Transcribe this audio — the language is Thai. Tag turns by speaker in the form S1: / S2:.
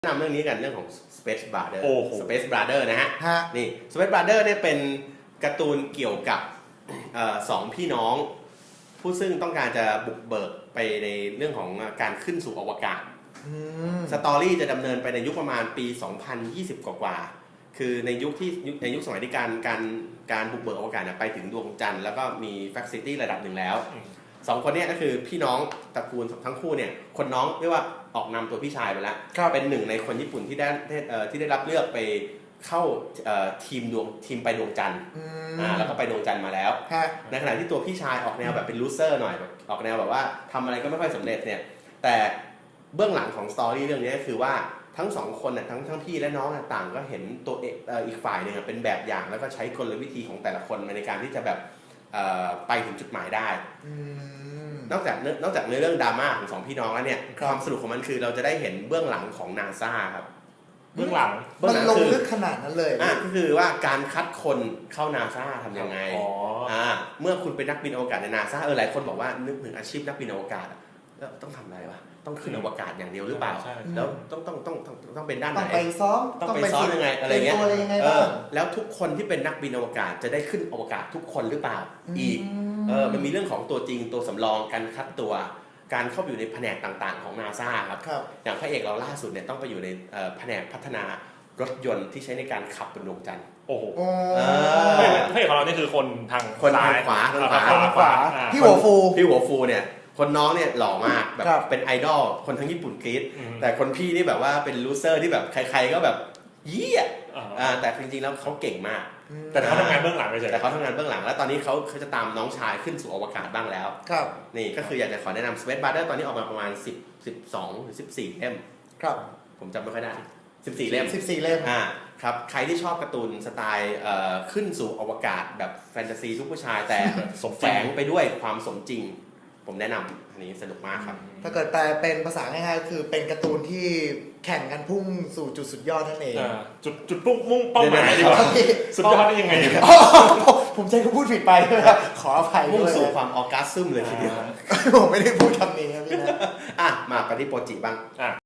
S1: แนะนำเรื่องนี้กันเรื่องของ Space Brother
S2: โอ้โห
S1: Space Brother นะฮะ นี่ Space Brother เนี่ยเป็นการ์ตูนเกี่ยวกับสองพี่น้อง ผู้ซึ่งต้องการจะบุกเบิกไปในเรื่องของการขึ้นสู่อวกาศสตอรี่จะดำเนินไปในยุคประมาณปี 2020 กว่าๆคือในยุคสมัยที่การบุกเบิกอวกาศไปถึงดวงจันทร์แล้วก็มีแฟคซิตี้ระดับหนึ่งแล้วสองคนนี้ก็คือพี่น้องตระกูลทั้งคู่เนี่ยคนน้องเรียกว่าออกนำตัวพี่ชายไปแล้วเป็นหนึ่งในคนญี่ปุ่นที่ได้รับเลือกไปเข้าทีมไปดวงจันทร์แล้วก็ไปดวงจันทร์มาแล้วในขณะที่ตัวพี่ชายออกแนวแบบเป็นลูเซอร์หน่อยออกแนวแบบว่าทำอะไรก็ไม่ค่อยสำเร็จเนี่ยแต่เบื้องหลังของสตอรี่เรื่องนี้ก็คือว่าทั้งสองคนน่ะทั้งพี่และน้องต่างก็เห็นตัวอีกฝ่ายหนึ่งเป็นแบบอย่างแล้วก็ใช้กลวิธีของแต่ละคนในการที่จะแบบไปถึงจุดหมายได้นอกจากในเรื่องดราม่าของสองพี่น้องแล้วเนี่ยความสนุกของมันคือเราจะได้เห็นเบื้องหลังของ NASA ครับ
S2: เบื้องหลัง
S3: มันลงลึกขนาดนั้นเลย
S1: ก็คือว่าการคัดคนเข้า NASA ทำยังไงเมื่อคุณเป็นนักบินอวกาศใน NASA หลายคนบอกว่านึกถึงอาชีพนักบินอวกาศแล้วต้องทำอะไรวะต้องขึ้นอวกาศอย่างเดียวหรือเปล่าแล้วต้องเป็นด้านไหน
S3: ต้องไปซ้อม
S1: ยังไงอะไรเงี้ยแล้วทุกคนที่เป็นนักบินอวกาศจะได้ขึ้นอวกาศทุกคนหรือเปล่าอีกมันมีเรื่องของตัวจริงตัวสำรองการคัดตัวการเข้าไปอยู่ในแผนกต่างๆของ NASA ครับอย่างพระเอกเราล่าสุดเนี่ยต้องไปอยู่ในแผนกพัฒนารถยนต์ที่ใช้ในการขับบนดวงจันทร์
S2: โอ้โหพระเอกของเรานี่คือคนทาง
S1: ขวา
S3: พี่หัวฟู
S1: เนี่ยคนน้องเนี่ยหล่อมากแบบเป็นไอดอลคนทั้งญี่ปุ่นกรี๊ดแต่คนพี่นี่แบบว่าเป็นลูเซอร์ที่แบบใครๆก็แบบยี่แต่จริงๆแล้วเขาเก่งมาก
S2: แต่เขาทำงานเบื้องหลัง
S1: แต่เขาทำงานเบื้องหลังแล้วตอนนี้เขาจะตามน้องชายขึ้นสู่อวกาศบ้างแล้วนี่ก็คืออยากจะขอแนะนำ Space Brother ตอนนี้ออกมาประมาณ12 หรือ 14 เล่มผมจำไม่ค่อยได้14 เล่มครับใครที่ชอบการ์ตูนสไตล์ขึ้นสู่อวกาศแบบแฟนตาซีทุกผู้ชายแต่แฝงไปด้วยความสมจริงผมแนะนำอันนี้สนุกมากครับ
S3: ถ้าเกิดแปลเป็นภาษาง่ายๆคือเป็นการ์ตูนที่แข่งกันพุ่งสู่จุดสุดยอดนั่นเอง
S2: จุดมุ่งเป้าหมายดีกว่าสุดยอดได้ยังไง
S3: ผมใจก็พูดผิดไปขออภัยด้วย
S1: มุ่งสู่ความออร์กัสซึมเลยทีเดียว
S3: ผมไม่ได้พูดคำนี้ครับพี่นะ
S1: มาปฏิโปรจิบ้าง